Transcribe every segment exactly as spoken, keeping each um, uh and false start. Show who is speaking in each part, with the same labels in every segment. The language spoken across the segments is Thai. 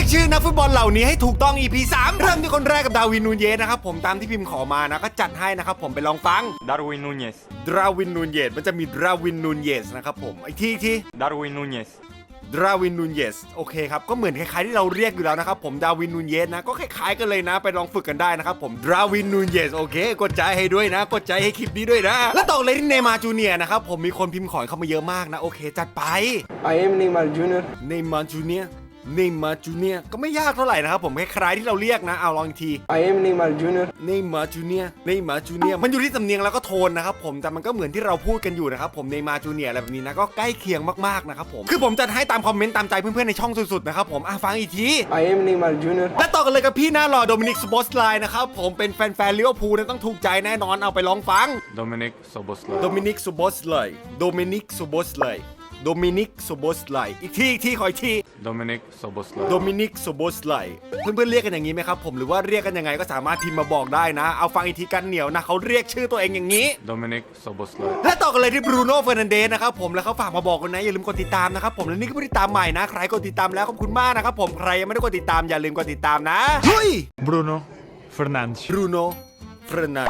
Speaker 1: กชื่อนักฟุตบอลเหล่านี้ให้ถูกต้อง อี พี สามเริ่มที่คนแรกกับดาวินนูนเยสนะครับผมตามที่พิมพ์ขอมานะก็จัดให้นะครับผมไปลองฟัง
Speaker 2: Darwin Núñez
Speaker 1: ดราวินนูนเยสมันจะมีดราวินนูนเยสนะครับผมอีกทีอีกที
Speaker 2: Darwin Núñez
Speaker 1: ดราวินนูนเยสโอเคครับก็เหมือนคล้ายๆที่เราเรียกอยู่แล้วนะครับผมดาวินนูนเยสนะก็คล้ายๆกันเลยนะไปลองฝึกกันได้นะครับผมดราวินนูนเยสโอเคกดใจให้ด้วยนะกดใจให้คลิปนี้ด้วยนะแล้วต่อเลยที่เนย์มาร์จูเนียร์นะครับผมมีคนพิมพ์ขอเข้ามาเยอะมากนะโอเคจัดไป
Speaker 3: I am Neymar Junior
Speaker 1: เนย์มาร์จูเนียร์เนย์มาร์จูเนียร์ก็ไม่ยากเท่าไหร่นะครับผมคล้ายๆที่เราเรียกนะเอาลองอีกที
Speaker 3: I am Neymar Junior
Speaker 1: เนย์มาร์จูเนียร์เนย์มาร์จูเนียร์มันอยู่ที่สำเนียงแล้วก็โทนนะครับผมแต่มันก็เหมือนที่เราพูดกันอยู่นะครับผมเนย์มาร์จูเนียร์อะไรแบบนี้นะก็ใกล้เคียงมากๆนะครับผมคือผมจัดให้ตามคอมเมนต์ตามใจเพื่อนๆในช่องสุดๆนะครับผมอ่ะฟังอีกที
Speaker 3: I am Neymar Junior
Speaker 1: และต่อกันเลยกับพี่หน้าหล่อโดมินิก ซูโบสไลน์นะครับผมเป็นแฟนๆลิเวอร์พูลเนี่ยต้องถูกใจแน่นอนเอาไปลองฟัง
Speaker 2: Dominic Szoboszlai
Speaker 1: โดมินิก ซูโบสไลน์โดมินิก ซูโบสไลน์โดมินิก ซูโบสไลน์อีกทีอีกทีขออีกที
Speaker 2: Dominic Szoboszlai
Speaker 1: โดมินิก ซูโบสไลน์เพื่อนๆเรียกกันอย่างนี้ไหมครับผมหรือว่าเรียกกันยังไงก็สามารถพิมพ์มาบอกได้นะเอาฟังอีกทีกันเหนียวนะเขาเรียกชื่อตัวเองอย่างนี้
Speaker 2: Dominic Szoboszlai
Speaker 1: และต่อกันเลยที่บรูโน่เฟอร์นันเดสนะครับผมแล้วเขาฝากมาบอกกันนะอย่าลืมกดติดตามนะครับผมและนี่ก็ผู้ติดตามใหม่นะใครกดติดตามแล้วขอบคุณมากนะครับผมใครยังไม่ได้กดติดตามอย่าลืมกดติดตามนะเฮ้ย
Speaker 4: Bruno Fernandes
Speaker 1: บรูโน่เฟอร์นัน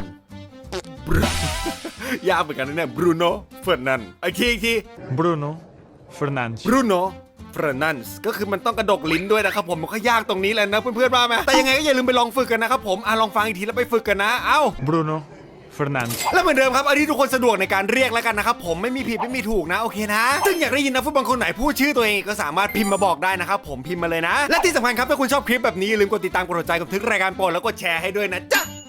Speaker 1: ยากเหมือนกันนะเนี่ยบรูโน่เฟอร์นันอีกทีอีกที
Speaker 4: Bruno Fernandes
Speaker 1: บรูโน่เฟอร์นันส์ก็คือมันต้องกระดกลิ้นด้วยนะครับผมมันก็ยากตรงนี้แหละนะเพื่อนๆว่าไหมแต่ยังไงก็อย่าลืมไปลองฝึกกันนะครับผมอ่ะลองฟังอีกทีแล้วไปฝึกกันนะเอ้า
Speaker 4: Bruno Fernandes
Speaker 1: แล้วเหมือนเดิมครับอันที่ทุกคนสะดวกในการเรียกแล้วกันนะครับผมไม่มีผิดไม่มีถูกนะโอเคนะซึ่งอยากได้ยินนักฟุตบอลคนไหนพูดชื่อตัวเองก็สามารถพิมพ์มาบอกได้นะครับผมพิมพ์มาเลยนะและที่สำคัญครับถ้าคุณชอบคลิปแบบนี้อย่าลืมกดติดตามกดหัวใจกับทึกรายการโปรดแล้วกดแชร์ให้ด้วยนะจ๊ะ